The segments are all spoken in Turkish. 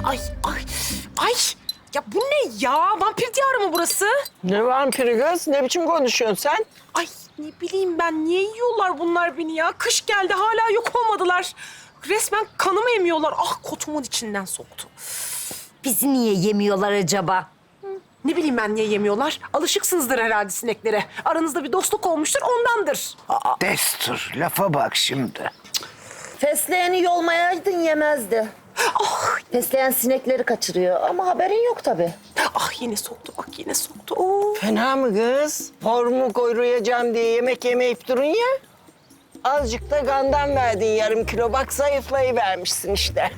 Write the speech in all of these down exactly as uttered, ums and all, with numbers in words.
Ay ay ay. Ya bu ne ya? Vampir diyarı mı burası? Ne vampiri kız? Ne biçim konuşuyorsun sen? Ay ne bileyim ben. Niye yiyorlar bunlar beni ya? Kış geldi hala yok olmadılar. Resmen kanımı emiyorlar. Ah kotumun içinden soktu. Bizi niye yemiyorlar acaba? Ne bileyim ben niye yemiyorlar? Alışıksınızdır herhalde sineklere. Aranızda bir dostluk olmuştur ondandır. Destur, lafa bak şimdi. Fesleyeni yolmayaydın yemezdi. Fesleğen sinekleri kaçırıyor ama haberin yok tabii. Ah yine soktu bak yine soktu. Oo. Fena mı kız? Formu koyruyacağım diye yemek yemeyip durun ya. Azıcık da gandan verdin yarım kilo. Bak zayıflayıvermişsin işte.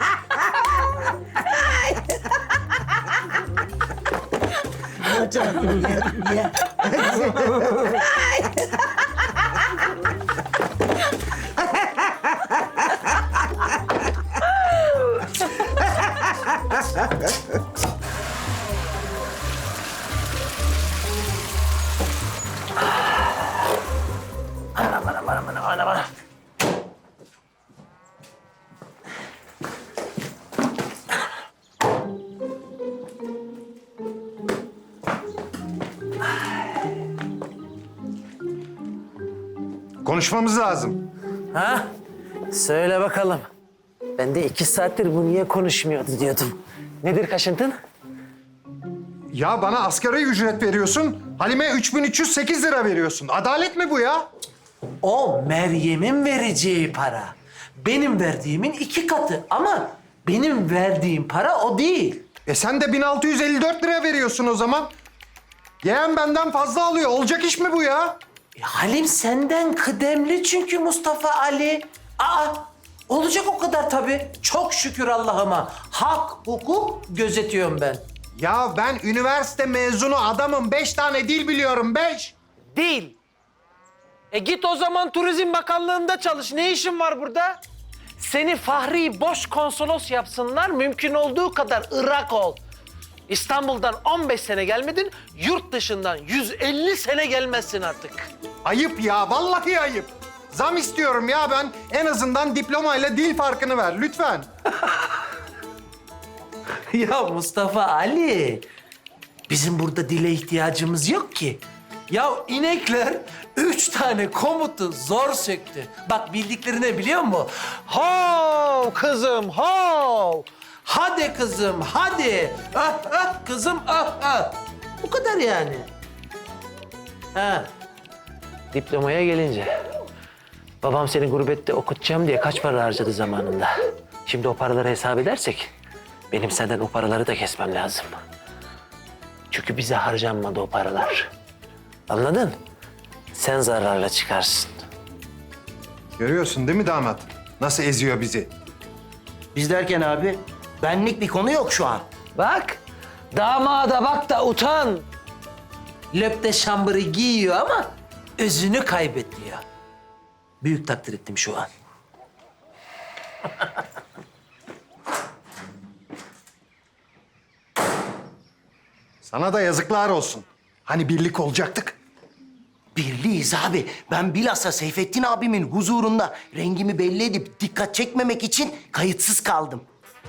Konuşmamız lazım. Ha? Söyle bakalım. Ben de iki saattir bu niye konuşmuyordu diyordum. Nedir kaşıntın? Ya bana asgari ücret veriyorsun, Halime üç bin üç yüz sekiz lira veriyorsun. Adalet mi bu ya? O Meryem'in vereceği para. Benim verdiğimin iki katı ama benim verdiğim para o değil. E sen de bin altı yüz elli dört lira veriyorsun o zaman. Yeğen benden fazla alıyor. Olacak iş mi bu ya? E, Halim senden kıdemli çünkü Mustafa Ali. Aa, olacak o kadar tabii. Çok şükür Allah'ıma. Hak, hukuk gözetiyorum ben. Ya ben üniversite mezunu adamım. Beş tane dil biliyorum, beş. Değil. E git o zaman Turizm Bakanlığı'nda çalış. Ne işin var burada? Seni Fahri Boş Konsolos yapsınlar. Mümkün olduğu kadar Irak ol. İstanbul'dan on beş sene gelmedin, yurt dışından yüz elli sene gelmezsin artık. Ayıp ya, vallahi ayıp. Zam istiyorum ya ben. En azından diplomayla dil farkını ver lütfen. Ya Mustafa Ali, bizim burada dile ihtiyacımız yok ki. Ya inekler üç tane komutu zor söktü. Bak bildiklerini biliyor musun? Hav kızım hav. Hadi kızım hadi. Ah ah kızım ah ah. Bu kadar yani. Ha. Diplomaya gelince. Babam seni gurbette okutacağım diye kaç para harcadı zamanında. Şimdi o paraları hesap edersek benim senden o paraları da kesmem lazım. Çünkü bize harcanmadı o paralar. Anladın? Sen zararla çıkarsın. Görüyorsun değil mi damat? Nasıl eziyor bizi? Biz derken abi, benlik bir konu yok şu an. Bak, damada bak da utan. Löpte şambırı giyiyor ama özünü kaybediyor. Büyük takdir ettim şu an. Sana da yazıklar olsun. Hani birlik olacaktık. Birliyiz abi. Ben bilhassa Seyfettin abimin huzurunda rengimi belli edip dikkat çekmemek için kayıtsız kaldım.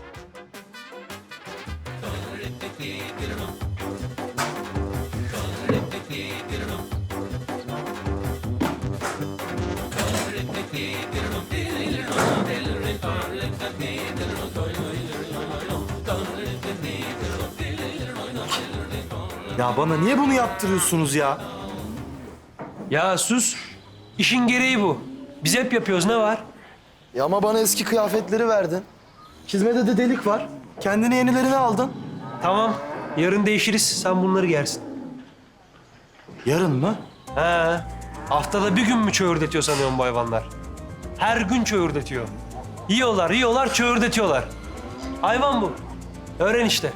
Ya bana niye bunu yaptırıyorsunuz ya? Ya sus. İşin gereği bu. Biz hep yapıyoruz. Ne var? Ya ama bana eski kıyafetleri verdin. Çizmede de delik var. Kendine yenilerini aldın. Tamam. Yarın değişiriz. Sen bunları giyersin. Yarın mı? He. Haftada bir gün mü çöğürdetiyor sanıyorum bu hayvanlar? Her gün çöğürdetiyor. Yiyorlar, yiyorlar, çöğürdetiyorlar. Hayvan bu. Öğren işte.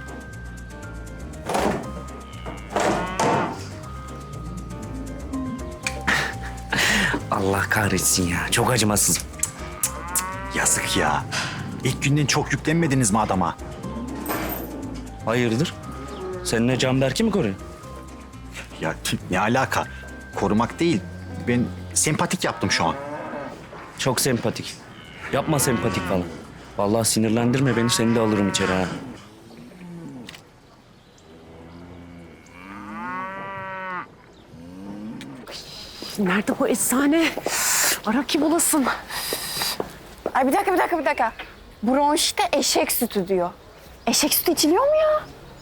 Allah kahretsin ya. Çok acımasız. Cık, cık, cık. Yazık ya. İlk günden çok yüklenmediniz mi adama? Hayırdır? Seninle Canberk'i mi koruyor? Ya ne alaka? Korumak değil. Ben sempatik yaptım şu an. Çok sempatik. Yapma sempatik falan. Vallahi sinirlendirme beni, seni de alırım içeri ha. Nerede bu eczane? Ara ki bulasın. Ay bir dakika, bir dakika, bir dakika. Bronşite eşek sütü diyor. Eşek sütü içiliyor mu ya?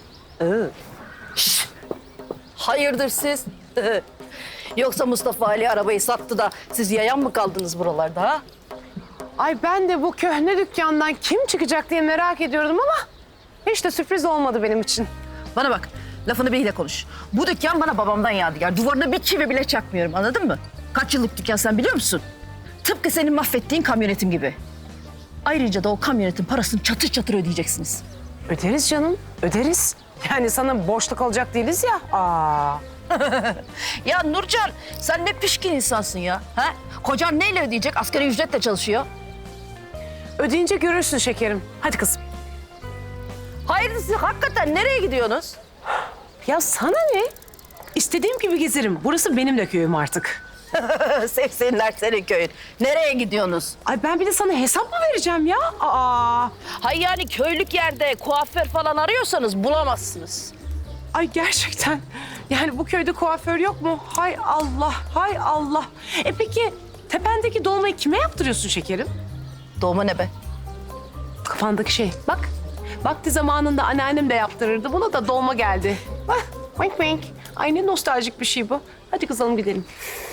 Hayırdır siz? Yoksa Mustafa Ali arabayı sattı da siz yayan mı kaldınız buralarda ha? Ay ben de bu köhne dükkandan kim çıkacak diye merak ediyordum ama hiç de sürpriz olmadı benim için. Bana bak, lafını biriyle konuş. Bu dükkan bana babamdan yadigar. Duvarına bir çivi bile çakmıyorum, anladın mı? Kaç yıllık dükkan sen biliyor musun? Tıpkı senin mahvettiğin kamyonetim gibi. Ayrıca da o kamyonetin parasını çatır çatır ödeyeceksiniz. Öderiz canım, öderiz. Yani sana borçlu kalacak değiliz ya. Aa. Ya Nurcan, sen ne pişkin insansın ya. Ha? Kocan neyle ödeyecek? Asgari ücretle çalışıyor. Ödeyince görürsün şekerim. Hadi kızım. Hayırdır siz hakikaten nereye gidiyorsunuz? Ya sana ne? İstediğim gibi gezerim. Burası benim de köyüm artık. Sevsinler senin köyün. Nereye gidiyorsunuz? Ay ben bir de sana hesap mı vereceğim ya? Aa. Hay yani köylük yerde kuaför falan arıyorsanız bulamazsınız. Ay gerçekten. Yani bu köyde kuaför yok mu? Hay Allah, hay Allah. E peki tependeki dolmayı kime yaptırıyorsun şekerim? Doğma ne be? Kafandaki şey. Bak. Vakti zamanında anneannem de yaptırırdı. Buna da dolma geldi. Bak. Wink wink. Ay ne nostaljik bir şey bu. Hadi kızalım gidelim.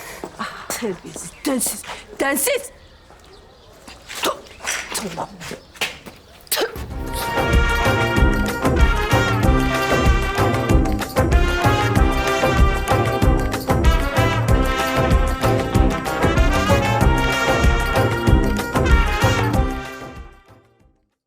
Terbiyesiz, densiz, densiz. Tamam.